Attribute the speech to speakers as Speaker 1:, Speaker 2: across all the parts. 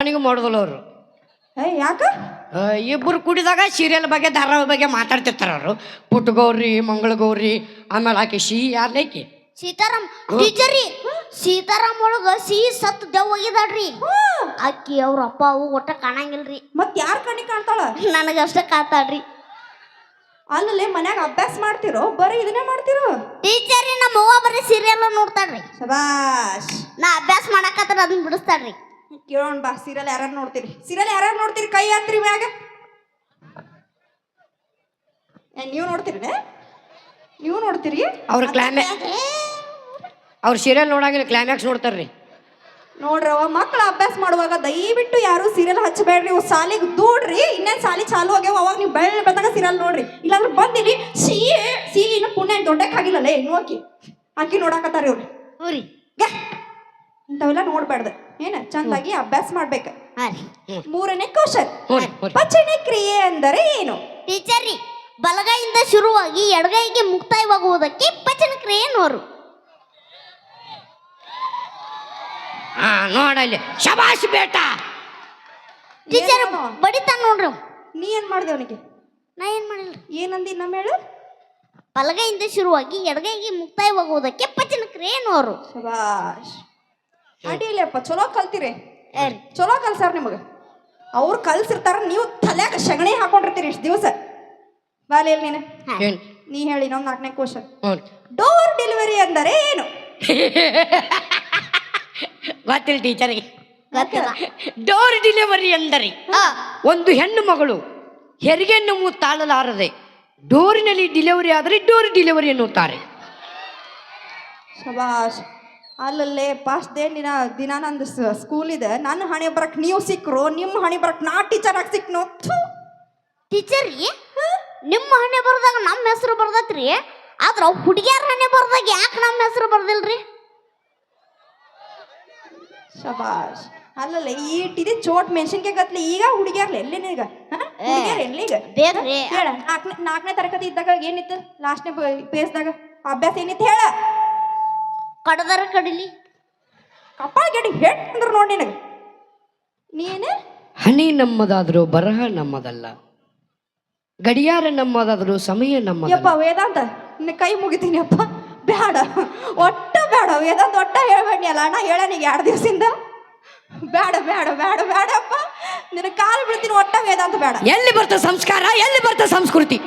Speaker 1: ನನಗೂ ಮಾಡೋದಿಲ್ಲ ಅವರು.
Speaker 2: ಯಾಕ
Speaker 1: ಇಬ್ಬರು ಕುಡಿದಾಗ ಸೀರಿಯಲ್ ಬಗ್ಗೆ ಧಾರಾವಾಹಿ ಬಗ್ಗೆ ಮಾತಾಡ್ತಿರ್ತಾರ ಅವರು. ಪುಟ್ಟಗೌರಿ ಮಂಗಳಗೌರಿ ಆಮೇಲೆ ಆಕೆ ಯಾರ್ಲೇಕಿ
Speaker 3: ಸೀತಾರಾಮ್ ಟೀಚರಿ ಸೀತಾರಾಮ್ ಒಳಗ ಸತ್ ದೆವ್ ಹೋಗಿದಾಳ್ರಿ. ಅಕ್ಕಿ ಅವ್ರ ಅಪ್ಪ ಅವು ಒಟ್ಟ ಕಾಣಂಗಿಲ್ರಿ.
Speaker 2: ಮತ್ ಯಾರ್ ಕಣ್ಣಿಗೆ ಕಾಣ್ತಾಳ?
Speaker 3: ನನಗಷ್ಟ ಕಾತಾಳ್ರಿ.
Speaker 2: ಅಲ್ಲಲ್ಲೇ ಮನ್ಯಾಗ ಅಭ್ಯಾಸ ಮಾಡ್ತಿರೋ ಬರೀ ಇದನ್ನೇ ಮಾಡ್ತಿರೋ?
Speaker 3: ಟೀಚರಿ ನಮ್ಮ ಅವ್ವ ಬರೀ ಸೀರಿಯಲ್ ನೋಡ್ತಾಳ್ರಿ.
Speaker 2: ಶಬಾಷ್.
Speaker 3: ನಾ ಅಭ್ಯಾಸ ಮಾಡಕತ್ರ ಅದನ್ನ ಬಿಡಿಸ್ತಾಳ್ರಿ.
Speaker 2: ಕೇಳೋಣ ಬಾ, ಸೀರಿಯಲ್ ಯಾರ್ಯಾರು ನೋಡ್ತೀರಿ? ಸೀರಿಯಲ್ ಯಾರ್ಯಾರು ನೋಡ್ತೀರಿ? ಕೈ ಹತ್ರಿ ಮ್ಯಾಗ. ನೀವು ನೋಡ್ತೀರಿ? ನೀವು ನೋಡ್ತೀರಿ?
Speaker 1: ಅವ್ರ ಸೀರಿಯಲ್ ನೋಡಂಗಿಲ್ಲ, ಕ್ಲೈಮ್ಯಾಕ್ಸ್ ನೋಡ್ತಾರ್ರಿ.
Speaker 2: ನೋಡ್ರವ ಮಕ್ಳು ಅಭ್ಯಾಸ ಮಾಡುವಾಗ ದಯವಿಟ್ಟು ಯಾರು ಸೀರಿಯಲ್ ಹಚ್ಚಬೇಡ್ರಿ. ನೀವು ಸಾಲಿಗೆ ದೂಡ್ರಿ. ಇನ್ನೇನು ಸಾಲಿ ಚಾಲು ಆಗ್ಯಾವ, ಅವಾಗ ನೀವು ಬಂದಾಗ ಸೀರಿಯಲ್ ನೋಡ್ರಿ. ಇಲ್ಲಾಂದ್ರೆ ಬಂದಿರಿ ಸಿ ಇನ್ನು ಪುಣ್ಯ ದೊಡ್ಡಕ್ಕಾಗಿಲ್ಲಲೇ ನೋಕಿ ಅಕ್ಕಿ ನೋಡಾಕತ್ತಾರ ಇವ್ರು. ಇಂಥವೆಲ್ಲ ನೋಡ್ಬಾರ್ದು. ಏನ ಚಂದಾಗಿ ಅಭ್ಯಾಸ ಮಾಡ್ಬೇಕು. ಮೂರನೇ ಕ್ವಶನ್, ಪಚನ ಕ್ರಿಯೆ ಅಂದರೆ ಏನು?
Speaker 3: ಟೀಚರಿ ಬಲಗೈಯಿಂದ ಶುರುವಾಗಿ ಎಡಗೈಗೆ ಮುಕ್ತಾಯವಾಗುವುದಕ್ಕೆ ಪಚನ ಕ್ರಿಯೆ ನೋರು.
Speaker 1: ನೋಡಲ್ಲಿ ಶಬಾಷ್ ಬೇಟ.
Speaker 3: ಟೀಚರ್ ಬಡಿತಾನ ನೋಡ್ರಿ.
Speaker 2: ನೀ ಏನ್ ಮಾಡ್ದೆ ಅವನಿಗೆ?
Speaker 3: ನಾ ಏನ್ ಮಾಡಿಲ್ಲ.
Speaker 2: ಏನಂದಿ ನಮ್ಮ ಹೇಳು?
Speaker 3: ಬಲಗೈಯಿಂದ ಶುರುವಾಗಿ ಎಡಗೈಗೆ ಮುಕ್ತಾಯವಾಗುವುದಕ್ಕೆ ಪಚನ ಕ್ರಿಯೆ ನೋರು.
Speaker 2: ಶಬಾಷ್. ಅಡಿಯಲ್ಲಪ್ಪ ಚಲೋ ಕಲ್ತಿರಿ. ಚಲೋ ಕಲ್ಸಾರ ನಿಮಗೆ. ಅವ್ರು ಕಲ್ಸಿರ್ತಾರ, ನೀವು ತಲೆಯಾಗ ಸಗಣಿ ಹಾಕೊಂಡಿರ್ತೀರಿ ಇಷ್ಟು ದಿವಸ. ಬಾಲಿ ನೀನು ನೀ ಹೇಳಿ ನಾವು 4ನೇ ಕ್ವಶನ್. ಡೋರ್ ಡೆಲಿವರಿ ಅಂದರೆ ಏನು?
Speaker 1: ಗೊತ್ತಿಲ್ಲ ಟೀಚರ್ಗೆ. ಡೋರ್ ಡೆಲಿವರಿ ಎಂದರೆ ಒಂದು ಹೆಣ್ಣು ಮಗಳು ಹೆರಿಗೆ ನೋವು ತಾಳಲಾರದೆ ಡೋರಿನಲ್ಲಿ ಡೆಲಿವರಿ ಆದರೆ ಡೋರ್ ಡೆಲಿವರಿ ಎನ್ನುತ್ತಾರೆ.
Speaker 2: ಶಬಾಷ್. ಅಲ್ಲಲ್ಲೇ ಪಾಸ್ಟ್ ದಿನ ನಂದು ಸ್ಕೂಲ್ ಇದೆ. ನನ್ನ ಹಣೆ ಬರಕ್ ನೀವು ಸಿಕ್ಕರು, ನಿಮ್ಮ ಹಣೆ ಬರಕ್ ನಾ ಟೀಚರ್ ಆಗಿ ಸಿಕ್ನು.
Speaker 3: ಟೀಚರ್ ನಿಮ್ಮ ಹಣೆ ಬರ್ದಾಗ ನಮ್ಮ ಹೆಸರು ಬರ್ದತ್ರಿ. ಆದ್ರ ಹುಡುಗಿಯರ ಹಣೆ ಬರ್ದಾಗ ಯಾಕೆ ನಮ್ಮ ಹೆಸರು ಬರ್ದಿಲ್ರಿ?
Speaker 2: ಶಬಾಷ್. ಅಲ್ಲಲ್ಲ ಈಟಿದೆ ಚೋಟ್ ಮೆಣಸಿನ್ಕಾಯಿ ಗತ್ಲಿ. ಈಗ ಹುಡುಗಿಯರ್ಲ ಎಲ್ಲಿನ ಈಗ ಹುಡುಗಿಯರ್ ಎಲ್ಲಿ ಈಗ
Speaker 3: ಬೇಕ್ರಿ.
Speaker 2: ಹೇಳ 4ನೇ ತರಗತಿ ಇದ್ದಾಗ ಏನಿತ್ತು? ಲಾಸ್ಟ್ನೇ ಪೇಸ್ದಾಗ ಅಭ್ಯಾಸ ಏನಿತ್ತು ಹೇಳ?
Speaker 3: ಕಡದರ ಕಡಿಲಿ
Speaker 2: ಕಪ್ಪಾಳ ಗೆಡಿ ಹೆಟ್ ಅಂದ್ರು ನೋಡಿ ನಿನಗೆ. ನೀನು
Speaker 1: ಹನಿ ನಮ್ಮದಾದರೂ ಬರಹ ನಮ್ಮದಲ್ಲ, ಗಡಿಯಾರ ನಮ್ಮದಾದರೂ ಸಮಯ ನಮ್ಮದಲ್ಲ.
Speaker 2: ಯಪ್ಪ ವೇದಾಂತ ನಿನ್ನ ಕೈ ಮುಗಿತೀನಿ ಅಪ್ಪ. ಬೇಡ, ಒಟ್ಟ ಬೇಡ ವೇದಾಂತ, ಒಟ್ಟ ಹೇಳ್ಬೇಡಿ ಅಲ್ಲ ಅಣ್ಣ. ಹೇಳನೀಗ 2 ದಿವಸದಿಂದ ಬೇಡ ಬೇಡ ಬೇಡ ಬೇಡಪ್ಪ. ನಿನ್ನ ಕಾಲು ಬಿಡ್ತೀನಿ. ಒಟ್ಟ ವೇದಾಂತ ಬೇಡ.
Speaker 1: ಎಲ್ಲಿ ಬರ್ತ ಸಂಸ್ಕಾರ, ಎಲ್ಲಿ ಬರ್ತ ಸಂಸ್ಕೃತಿ?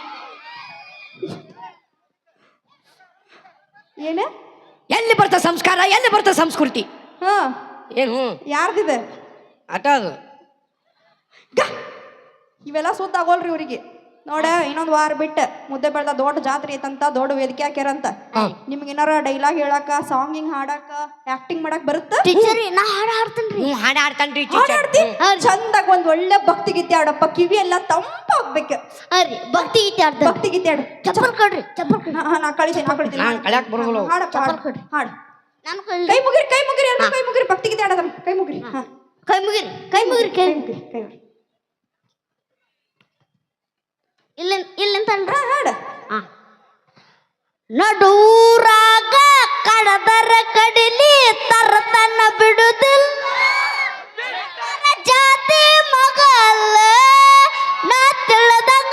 Speaker 2: ಏನ
Speaker 1: ಎಲ್ಲಿ ಬರ್ತ ಸಂಸ್ಕಾರ, ಎಲ್ಲಿ ಬರ್ತ ಸಂಸ್ಕೃತಿ? ಏನು
Speaker 2: ಯಾರ್ದಿದೆ
Speaker 1: ಆಟ ಅದು?
Speaker 2: ಇವೆಲ್ಲ ಸುತ್ತಾಗೋಲ್ರಿ ಇವ್ರಿಗೆ. ನೋಡ, ಇನ್ನೊಂದು ವಾರ ಬಿಟ್ಟು ಮುದ್ದೆ ಬೆಳ್ದ ದೊಡ್ಡ ಜಾತ್ರೆ ಐತಂತ, ದೊಡ್ಡ ವೇದಿಕೆ ಹಾಕ್ಯಾರಂತ. ನಿಮ್ಗೆ ಏನಾರ ಡೈಲಾಗ್ ಹೇಳಾಕ, ಸಾಂಗಿಂಗ್ ಹಾಡಾಕ, ಆಕ್ಟಿಂಗ್ ಮಾಡಕ್ ಬರುತ್ತ?
Speaker 3: ಟೀಚರ್ ನಾ ಹಾಡು ಹಾಡ್ತೇನ್ರಿ.
Speaker 1: ಹಾಡು ಹಾಡ್ತಾನ್ರಿ.
Speaker 2: ಚಂದಾಗ ಒಂದ್ ಒಳ್ಳೆ ಭಕ್ತಿ ಗೀತೆ ಆಡಪ್ಪ. ಕಿವಿ ಎಲ್ಲ ತಂಪಾಗ್ಬೇಕು.
Speaker 3: ಭಕ್ತಿ ಗೀತೆ ಆಡ್ತ.
Speaker 2: ಭಕ್ತಿ ಗೀತೆ ಆಡು.
Speaker 3: ಚಪ್ಪಲ್ ಕೊಡ್ರಿ, ಚಪ್ಪಲ್ ಕೊಡ್ರಿ.
Speaker 2: ನಾ ಕಳಿತೀನಿ.
Speaker 1: ಕಳ್ಯಾಕ್ ಬರೋಲ್ಲ.
Speaker 2: ಹಾಡಪ್ಪ, ಹಾಡು.
Speaker 3: ನಾನು
Speaker 2: ಕೈ ಮುಗಿರಿ, ಕೈ ಮುಗಿರಿ, ಎಲ್ಲ ಕೈ ಮುಗಿರಿ. ಭಕ್ತಿ ಗೀತೆ ಆಡೋದಮ್ಮ. ಕೈ ಮುಗಿರಿ,
Speaker 3: ಕೈ ಮುಗಿರಿ, ಕೈ ಮುಗಿರಿ, ಕೈ
Speaker 2: ಮುಗಿರಿ, ಕೈ ಮುಗಿರಿ.
Speaker 3: ಇಲ್ಲಂತಲ್ರ
Speaker 2: ಹಾಡು.
Speaker 3: ನಡೂರಾಗ ಕಡದರ ಕಡಿಲಿ ತರತನ ಬಿಡುದಿಲ್ಲ, ಜಾತಿ ಮಗಲ್ಲ ನಾ ತಿಳಿದಂಗ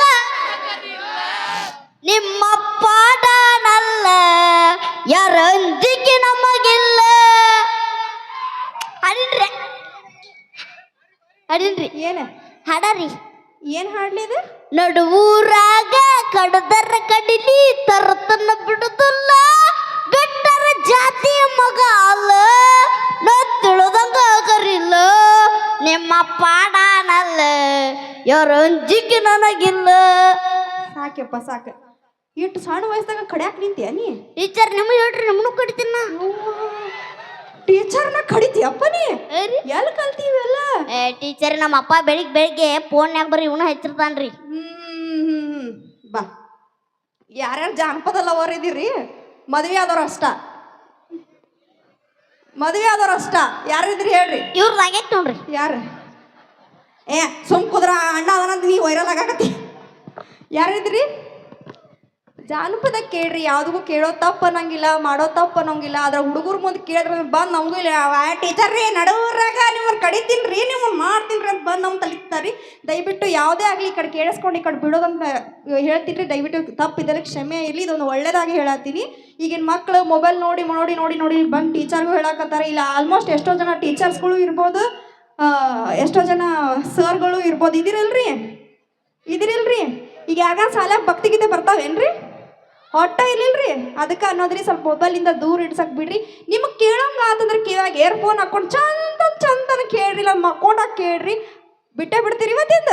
Speaker 3: ನಿಮ್ಮ ಪಾಡನಲ್ಲ, ಯಾರಂಜಿಕೆ ನಮಗಿಲ್ಲ. ಅಡಿನ್ರಿ ಅಡಿನ್ರಿ
Speaker 2: ಏನ
Speaker 3: ಹಾಡರಿ.
Speaker 2: ಏನ್ ಹಾಡ್ಲಿ ಇದು?
Speaker 3: ನಡುವೂರಾಗ ಕಡದರ ಕಡಿಲಿ ತರತನ ಬಿಡುದಿಲ್ಲ, ಗಟ್ಟರ ಜಾತಿ ಮಗ ಅಲ್ಲ ನಾ ತಿಳಿದಂಗ ಕರಿಲ್ಲ, ನಿಮ್ಮ ಪಾಡನಲ್ಲ ಯಾರಂಜಿಕೆ ನನಗಿಲ್ಲ.
Speaker 2: ಸಾಕ್ಯಪ್ಪ ಸಾಕ. ಇಟ್ಟು ಸಣ್ಣ ವಯಸ್ಸಾಗ ಕಡ್ಯಾಕ್ ನಿಂತೀಯ ನೀ?
Speaker 3: ಟೀಚರ್ ನಿಮಗೆ ಹೇಳ್ರಿ, ನಮ್ಮನ್ನು ಕಡಿತೀನ.
Speaker 2: ಟೀಚರ್ನ ಕಡಿತೀಯಪ್ಪ ನೀ? ಎಲ್ಲಿ ಕಲ್ತೀವೆಲ್ಲ?
Speaker 3: ಟೀಚರ್ ನಮ್ಮ ಅಪ್ಪ ಬೆಳಿಗ್ಗೆ ಫೋನ್ಯಾಗ ಬರೀ ಇವನು ಹಚ್ಚಿರ್ತಾನ್ರಿ.
Speaker 2: ಬಾ, ಯಾರ್ಯಾರು ಜಾನಪದ ಲವರ್ ಇದೀರಿ? ಮದ್ವೆ ಆದವ್ರು ಅಷ್ಟ, ಮದ್ವೆ ಆದವ್ರು ಅಷ್ಟ. ಯಾರಿದ್ರಿ ಹೇಳ್ರಿ?
Speaker 3: ಇವ್ರದ್ದು ಆಗೈತೆ ನೋಡ್ರಿ.
Speaker 2: ಯಾರು? ಸುಮ್ ಕುದ್ರ ಅಣ್ಣ ಅದನಂತ ನೀ ವೈರಲ್ ಆಗಾಕತ್ತಿ. ಯಾರಿದ್ರಿ? ಜಾನಪದ ಕೇಳ್ರಿ, ಯಾವ್ದಕ್ಕೂ ಕೇಳೋ ತಪ್ಪ ಅನ್ನಂಗಿಲ್ಲ, ಮಾಡೋ ತಪ್ಪ ಅನ್ನೋಂಗಿಲ್ಲ. ಅದ್ರ ಹುಡುಗರು ಮುಂದೆ ಕೇಳಿದ್ರೆ ಬಂದು ನಮಗೂ ಇಲ್ಲ ಟೀಚರ್ ರೀ ನಡುವರಾಗ ನಿಮ್ಮನ್ನ ಕಡಿತೀನಿ ರೀ, ನಿಮ್ಮನ್ನ ಮಾಡ್ತೀನಿ ರೀ ಅಂತ ಬಂದು ನಮ್ಮ ತಲಿತಾರಿ. ದಯವಿಟ್ಟು ಯಾವುದೇ ಆಗಲಿ ಈ ಕಡೆ ಕೇಳಿಸ್ಕೊಂಡು ಈ ಕಡೆ ಬಿಡೋದಂತ ಹೇಳ್ತೀನಿ ರೀ. ದಯವಿಟ್ಟು ತಪ್ಪಿದ್ದರೆ ಕ್ಷಮೆ ಇರಲಿ, ಇದೊಂದು ಒಳ್ಳೇದಾಗಿ ಹೇಳತ್ತೀನಿ. ಈಗಿನ ಮಕ್ಕಳು ಮೊಬೈಲ್ ನೋಡಿ ನೋಡಿ ನೋಡಿ ನೋಡಿ ಬಂದು ಟೀಚರ್ಗೂ ಹೇಳಕತ್ತಾರೆ. ಇಲ್ಲ ಆಲ್ಮೋಸ್ಟ್ ಎಷ್ಟೋ ಜನ ಟೀಚರ್ಸ್ಗಳು ಇರ್ಬೋದು, ಎಷ್ಟೋ ಜನ ಸರ್ಗಳು ಇರ್ಬೋದು. ಇದಿರಲ್ರಿ ಈಗ ಯಾಗ ಸಾಲ ಭಕ್ತಿಗೀತೆ ಬರ್ತಾವೇನ್ರಿ? ಹೊಟ್ಟ ಇರ್ಲಿಲ್ರಿ. ಅದಕ್ಕೆ ಅನ್ನೋದ್ರಿ ಸ್ವಲ್ಪ ಮೊಬೈಲಿಂದ ದೂರ ಇಡ್ಸಕ್ ಬಿಡ್ರಿ. ನಿಮಗೆ ಕೇಳೋಂಗ ಆತಂದ್ರೆ ಕಿವ್ಯಾಗ ಏರ್ಫೋನ್ ಹಾಕೊಂಡು ಚಂದನ ಕೇಳ್ರಿ, ಇಲ್ಲ ಮಕ್ಕೊಂಡಾಗ ಕೇಳ್ರಿ. ಬಿಟ್ಟೇ ಬಿಡ್ತೀರಿ ಇವತ್ತಿಂದ.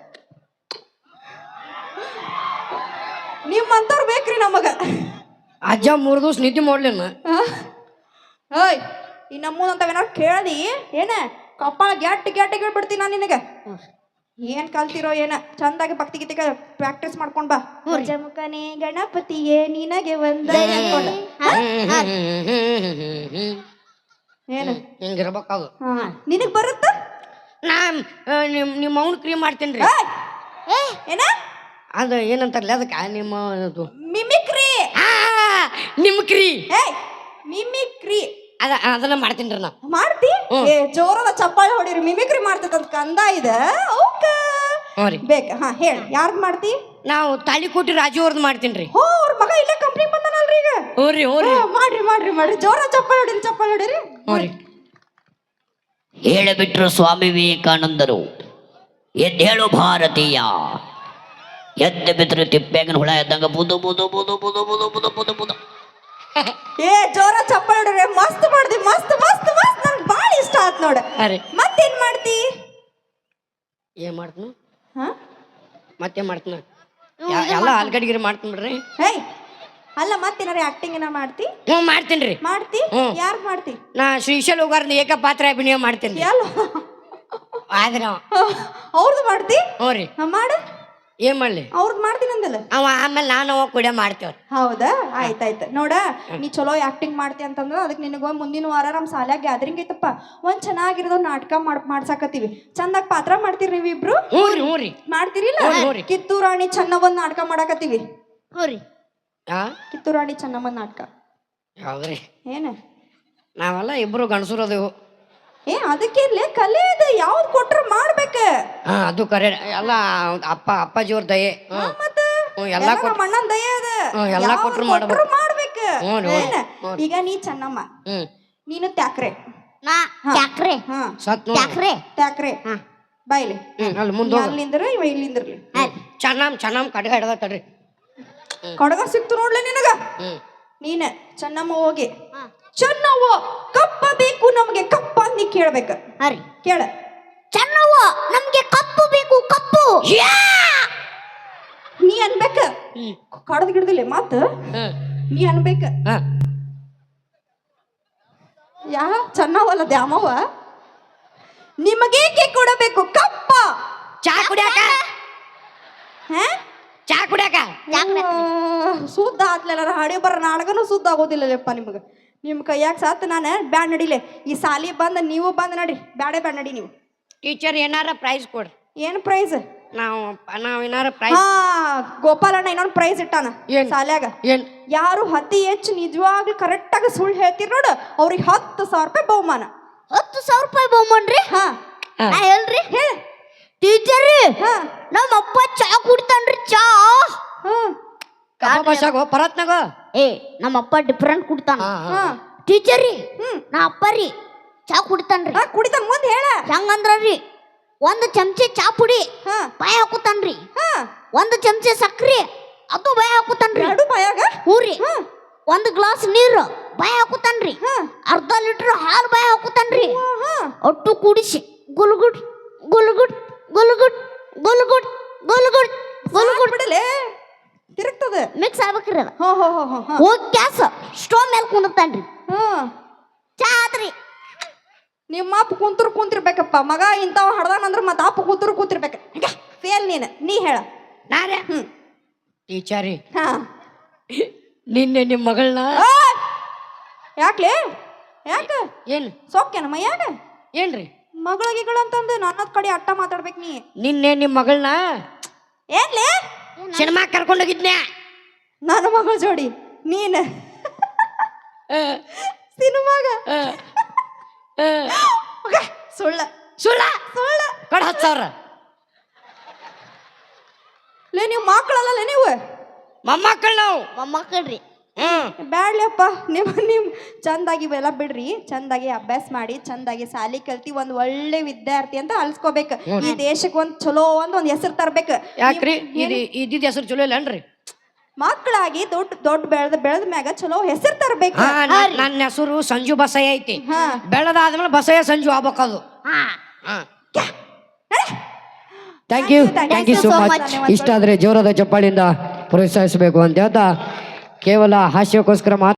Speaker 2: ನಿಮ್ಮಂತವ್ರು ಬೇಕ್ರಿ ನಮಗ.
Speaker 1: ಅಜ್ಜ 3 ದಿವಸ ನಿದ್ದೆ ಮಾಡ್ಲೇನ?
Speaker 2: ಓಯ್ ಈ ನಮ್ಮೂದಂತವೇನಾರು ಕೇಳ್ದಿ ಏನ ಕಪ್ಪಾಳ ಗ್ಯಾಟ್ ಬಿಡ್ತೀನಿ ನಾನು ನಿನಗೆ. ಏನ್ ಕಲ್ತಿರೋ ಏನ ಚಂದಾಗಿ ಭಕ್ತಿ ಗೀತೆಗೆ ಪ್ರಾಕ್ಟೀಸ್ ಮಾಡ್ಕೊಂಡ್ ಬಾ. ಜಮುಖನೇ ಗಣಪತಿಯೇ ನಿನಗೆ ಒಂದ ಏನು
Speaker 1: ಹಿಂಗಿರ್ಬೇಕಾಗ
Speaker 2: ನಿನಗ್ ಬರುತ್ತ?
Speaker 1: ನಾ ನಿಮ್ಮ ಅವ್ನ ಕ್ರೀಮ್ ಮಾಡ್ತೇನ್ರಿ.
Speaker 2: ಏನ
Speaker 1: ಅದು ಏನಂತಾರಲ್ಲ ಅದಕ್ಕೆ ನಿಮ್ಮ
Speaker 2: ಮಿಮಿಕ್ರಿ.
Speaker 1: ನಿಮ್ಕ್ರಿ
Speaker 2: ಮಿಮಿಕ್ರಿ
Speaker 1: ಅದನ್ನ ಮಾಡ್ತೇನ್ರಿ ನಾ.
Speaker 2: ಮಾಡ್ತಿ? ಜೋರದ ಚಪ್ಪಾಳೆ ಹೊಡಿರಿ. ಮಿಮಿಕ್ರಿ ಮಾಡ್ತೈತಂತ ಕಂದ ಇದೆ ಬೇಕ. ಹಾ ಹೇಳಿ, ಯಾರ್ದು ಮಾಡ್ತಿ?
Speaker 1: ನಾವು ತಾಳಿಕೋಟಿ ರಾಜು ಅವ್ರದ್ದು ಮಾಡ್ತೇನ್ರಿ.
Speaker 2: ಅವ್ರ ಮಗ ಇಲ್ಲೇ ಕಂಪ್ನಿ ಬಂದನಲ್ರಿ ಈಗ.
Speaker 1: ಹೋರಿ
Speaker 2: ಮಾಡ್ರಿ ಜೋರ ಚಪ್ಪಾಳೆ ಹೊಡಿರಿ.
Speaker 1: ಹೋರಿ
Speaker 4: ಹೇಳಿಬಿಟ್ರು ಸ್ವಾಮಿ ವಿವೇಕಾನಂದರು, ಎದ್ದೇಳು ಭಾರತೀಯ. ಎದ್ದು ಬಿದ್ರು ತಿಪ್ಪೆಗನ ಹುಳ ಎದ್ದಂಗ ಬುದು ಬುದು ಬುದು ಬುದು ಬುದು ಬುದು ಬುದು ಬುದು.
Speaker 2: ಜೋರ ಚಪ್ಪಾಳೆ ಹೊಡಿರಿ. ಮಸ್ತ್ ಮಾಡ್ದಿ, ಮಸ್ತ್ ನನ್ಗೆ ಭಾಳ ಇಷ್ಟ ಆತ್ ನೋಡ. ಮತ್ತೇನ್ ಮಾಡ್ತಿ?
Speaker 1: ಏನ್ ಮಾಡ್ತೀನಿ? ಮತ್ತೇನ್ ಮಾಡ್ತೀನಿ? ಎಲ್ಲ ಆಲ್ಗಡಿಗಿರಿ ಮಾಡ್ತೀನಿ ಬಿಡ್ರಿ.
Speaker 2: ಅಲ್ಲ ಮತ್ತೇನಾರ ಆಕ್ಟಿಂಗ್ ಏನ ಮಾಡ್ತಿ?
Speaker 1: ಮಾಡ್ತೇನ್ರಿ.
Speaker 2: ಮಾಡ್ತಿ? ಯಾರು ಮಾಡ್ತಿ?
Speaker 1: ನಾ ಶ್ರೀಶೈಲ್ ಹೋಗಾರ್ನ ಏಕಪಾತ್ರ ಅಭಿನಯ ಮಾಡ್ತೇನ್ರಿ. ಆದ್ರೆ
Speaker 2: ಅವ್ರದ್ದು ಮಾಡ್ತಿ?
Speaker 1: ಹೋರಿ
Speaker 2: ಮಾಡು.
Speaker 1: ಏನ್ ಮಾಡ್ಲಿ?
Speaker 2: ಅವ್ರದ್ದು ಮಾಡ್ತೀನಿ ಅಂದಲ್ಲ
Speaker 1: ಅವ. ಆಮೇಲೆ ನಾನು ಕೂಡ ಮಾಡ್ತೇವ್ರಿ.
Speaker 2: ಹೌದಾ? ಆಯ್ತಾಯ್ತು ನೋಡ. ನೀ ಚಲೋ ಆಕ್ಟಿಂಗ್ ಮಾಡ್ತಿ ಅಂತಂದ್ರ ಅದಕ್ಕೆ ನಿನಗ ಮುಂದಿನ ವಾರ ನಮ್ಮ ಶಾಲ್ಯಾಗ ಗ್ಯಾದರಿಂಗ್ ಐತಪ್ಪ. ಒಂದ್ ಚೆನ್ನಾಗಿರೋದು ನಾಟಕ ಮಾಡ್ಸಾಕತ್ತೀವಿ. ಚಂದಾಗಿ ಪಾತ್ರ ಮಾಡ್ತೀರಿ ನೀವಿಬ್ರು?
Speaker 1: ಹ್ಞೂರಿ
Speaker 2: ಮಾಡ್ತೀರಿಲ್ಲ? ಕಿತ್ತೂರಾಣಿ ಚೆನ್ನಮ್ಮನ್ ನಾಟಕ ಮಾಡಾಕತ್ತೀವಿ. ಕಿತ್ತೂರಾಣಿ ಚೆನ್ನಮ್ಮನ್ ನಾಟಕ.
Speaker 1: ಯಾವ್ದ್ರಿ?
Speaker 2: ಏನ
Speaker 1: ನಾವೆಲ್ಲ ಇಬ್ರು ಗಂಡಸರು ಅದೇವು.
Speaker 2: ಅದಕ್ಕೆ ಕಲೆ ಇದೆ, ಯಾವ್ದು ಕೊಟ್ರ ಮಾಡ್ಬೇಕ.
Speaker 1: ಅದು ಕರೆ. ಎಲ್ಲ ಅಪ್ಪಾಜಿಯವ್ರ ದಯೆ. ಎಲ್ಲ
Speaker 2: ಅಣ್ಣನ ದಯೆ ಅದ.
Speaker 1: ಎಲ್ಲ ಕೊಟ್ರು ಮಾಡ್ಬೇಕು.
Speaker 2: ಈಗ ನೀ ಚೆನ್ನಮ್ಮ, ನೀನು ತ್ಯಾಕ್ರೆ. ತ್ಯಾಕ್ರೆ ಬಾಯ್ಲಿ.
Speaker 1: ಅಲ್ಲಿ ಮುಂದೆ
Speaker 2: ಅಲ್ಲಿಂದ್ರ ಇವ ಇಲ್ಲಿಂದ್ರಲಿ.
Speaker 1: ಚೆನ್ನಮ್ಮ ಕಡೆ ಹಿಡ್ದ ತಡ್ರಿ.
Speaker 2: ಕಡಗ ಸಿಕ್ತು ನೋಡ್ಲಿ ನಿನಗ. ನೀನ ಚೆನ್ನಮ್ಮ ಹೋಗಿ, ಚೆನ್ನವ್ವ ಕಪ್ಪ ಬೇಕು ನಮ್ಗೆ ಕಪ್ಪ ಅಂತ ನೀ ಕೇಳ್ಬೇಕ. ಕೇಳ.
Speaker 3: ಚೆನ್ನವ್ವ ನಮ್ಗೆ ಕಪ್ಪು ಬೇಕು ಕಪ್ಪು.
Speaker 2: ನೀ ಅನ್ಬೇಕ. ಕಡದ ಗಿಡದಿಲ್ಲ ಮತ್ತ ನೀ ಅನ್ಬೇಕ. ಯಾ ಚೆನ್ನವಲ್ಲ ದ್ಯಾಮವ್ವ, ನಿಮಗೇಕೆ ಕೊಡಬೇಕು ಕಪ್ಪ?
Speaker 1: ಚಾ ಕುಡಿಯಾಕ. ಚಾ ಕುಡಿಯಾಕ
Speaker 2: ಸುದ್ದ ಆತ್ಲೆಲ್ಲ ಹಾಡಿ ಬರ ನಾಟಕನೂ ಸುದ್ದ ಆಗೋದಿಲ್ಲಪ್ಪ ನಿಮ್ಗೆ. ನಿಮ್ಮ ಕೈಯಾಗ ಸಾತ್ ನಾನು ಬ್ಯಾಡ್ ನಡಿಲೆ. ಈ ಸಾಲಿ ಬಂದ ನೀವು ಬಂದ್ ನಡಿ. ಬ್ಯಾಡ್ ನಡಿ ನೀವು.
Speaker 1: ಟೀಚರ್ ಏನಾರ ಪ್ರೈಸ್ ಕೊಡ್ರಿ.
Speaker 2: ಏನ್ ಪ್ರೈಸ್?
Speaker 1: ನಾವು ಏನಾರ ಪ್ರೈಸ್.
Speaker 2: ಗೋಪಾಲಣ್ಣ ಇನ್ನೊಂದು ಪ್ರೈಸ್ ಇಟ್ಟಾನ ಸಾಲ್ಯಾಗ. ಯಾರು ಅತಿ ಹೆಚ್ಚು ನಿಜವಾಗ್ಲೂ ಕರೆಕ್ಟ್ ಆಗಿ ಸುಳ್ಳು ಹೇಳ್ತೀರಿ ನೋಡು, ಅವ್ರಿಗೆ 10,000 ರೂಪಾಯಿ ಬಹುಮಾನ.
Speaker 3: 10,000 ರೂಪಾಯಿ ಬಹುಮಾನ್ರಿ? ಹೇಳ್ರಿ.
Speaker 2: ಹೇಳ
Speaker 3: ಟೀಚರ್, ನಮ್ಮ ಅಪ್ಪ ಚಾ ಕುಡ್ತಾನ್ರಿ. ಚಾ
Speaker 1: ಪರತ್ನಾಗ
Speaker 3: ನಮ್ಮ ಅಪ್ಪ ಡಿಫ್ರೆಂಟ್ ಕುಡ್ತಾನ. ಟೀಚರ್ ರೀ, ನಾ ಅಪ್ಪ ರೀ ಚಾ ಕುಡಿತಾನ್ರಿ.
Speaker 2: ಕುಡಿತಾನ ಮುಂದೆ ಹೇಳ.
Speaker 3: ಹೆಂಗಂದ್ರಿ, 1 ಚಮಚೆ ಚಾ ಪುಡಿ ಬಾಯ ಹಾಕುತ್ತಾನ್ರಿ. 1 ಚಮಚೆ ಸಕ್ರಿ ಅದು ಬಾಯ ಹಾಕುತ್ತಾನ್ರಿ.
Speaker 2: ಎರಡು ಬಾಯಾಗ?
Speaker 3: ಹೂರಿ. 1 ಗ್ಲಾಸ್ ನೀರು ಬಾಯ ಹಾಕುತ್ತಾನ್ರಿ. 1/2 ಲೀಟರ್ ಹಾಲು ಬಾಯ ಹಾಕುತ್ತಾನ್ರಿ. ಒಟ್ಟು ಕೂಡಿಸಿ ಗುಲ್ಗುಡ್ ಗುಲ್ಗುಡ್ ಗುಲ್ಗುಡ್ ಗುಲ್ಗುಡ್ ಗುಲ್ಗುಡ್ ಗುಲ್ಗುಡ್
Speaker 2: ಬಿಡಲೆ ತಿರುಗ್ತದೆ.
Speaker 3: ಮಿಕ್ಸ್ ಆಗ್ಬೇಕ್ರಿ ಅದ.
Speaker 2: ಹೋಗಿ
Speaker 3: ಗ್ಯಾಸ್ ಸ್ಟೋವ್ ಮೇಲೆ ಕುಂದಿರ್ತಾನ್ರಿ. ಚಾ ಆತ್ರಿ.
Speaker 2: ನಿಮ್ಮ ಅಪ್ಪ ಕುಂತಿರ್ಬೇಕಪ್ಪ. ಮಗ ಇಂಥವ್ ಹಡ್ದಾನಂದ್ರ ಮತ್ತೆ ಅಪ್ಪ ಕೂತಿರ್ಬೇಕ. ಫೇಲ್ ನೀ ಹೇಳ.
Speaker 1: ನಾರೇ ಟೀಚರಿ, ನಿನ್ನೆ ನಿಮ್ಮ ಮಗಳನ್ನ
Speaker 2: ಯಾಕ್ಲೆ? ಯಾಕ
Speaker 1: ಏನು
Speaker 2: ಸೊಕ್ಕೇನಮ್ಮ? ಯಾಕ
Speaker 1: ಏನ್ರಿ
Speaker 2: ಮಗಳಿಗಳು ಅಂತಂದು ನನ್ನದ್ ಕಡೆ ಅಟ್ಟ ಮಾತಾಡ್ಬೇಕು ನೀ.
Speaker 1: ನಿನ್ನೆ ನಿಮ್ಮ ಮಗಳನ್ನ
Speaker 2: ಏನ್ಲೇ
Speaker 1: ಸಿನಿಮಾ ಕರ್ಕೊಂಡೋಗಿದ್ನ್ಯಾ.
Speaker 2: ನನ್ನ ಮಗಳ ಜೋಡಿ ನೀನ್ ಸಿನಿಮಾಗ ಸುಳ್ಳ
Speaker 1: ಸುಳ್ಳ
Speaker 2: ಸುಳ್ಳ
Speaker 1: ಕಡ 10,000
Speaker 2: ಲೇ ನೀವು ಮಕ್ಕಳಲ್ಲ ನೀವು
Speaker 1: ಮೊಮ್ಮಕ್ಕಳು ನಾವು
Speaker 3: ಮೊಮ್ಮಕ್ಕಳ್ರಿ
Speaker 2: ಬ್ಯಾಡ್ಲಪ್ಪ ನಿಮ್ ಚಂದಾಗಿ ಇವೆಲ್ಲ ಬಿಡ್ರಿ, ಚಂದಾಗಿ ಅಭ್ಯಾಸ ಮಾಡಿ ಚಂದಾಗಿ ಸಾಲಿ ಕಲ್ತಿ ಒಂದ್ ಒಳ್ಳೆ ವಿದ್ಯಾರ್ಥಿ ಅಂತ ಅಲ್ಸ್ಕೋಬೇಕು. ಈ ದೇಶಕ್ಕೆ ಒಂದ್ ಚಲೋ ಒಂದ್ ಹೆಸರು ತರ್ಬೇಕು.
Speaker 1: ಯಾಕ್ರಿ ಇದ್ದಿದ್ದ ಹೆಸರು ಚಲೋ ಇಲ್ಲನ್ರಿ?
Speaker 2: ಮಕ್ಕಳಾಗಿ ದೊಡ್ಡ ಬೆಳೆದ ಮ್ಯಾಗ ಚಲೋ ಹೆಸರು ತರ್ಬೇಕು.
Speaker 1: ನನ್ನ ಹೆಸರು ಸಂಜು ಬಸಯ್ಯ ಐತಿ. ಬೆಳೆದಾದ್ಮೇಲೆ ಬಸಯ್ಯ ಸಂಜು ಆಗ್ಬೇಕದು. Thank you so much. ಇಷ್ಟ ಆದ್ರೆ ಜೋರಾದ ಚಪ್ಪಾಳಿಂದ ಪ್ರೋತ್ಸಾಹಿಸಬೇಕು ಅಂತ ಹೇಳ್ತಾ ಕೇವಲ ಹಾಸ್ಯಕ್ಕೋಸ್ಕರ ಮಾತ್ರ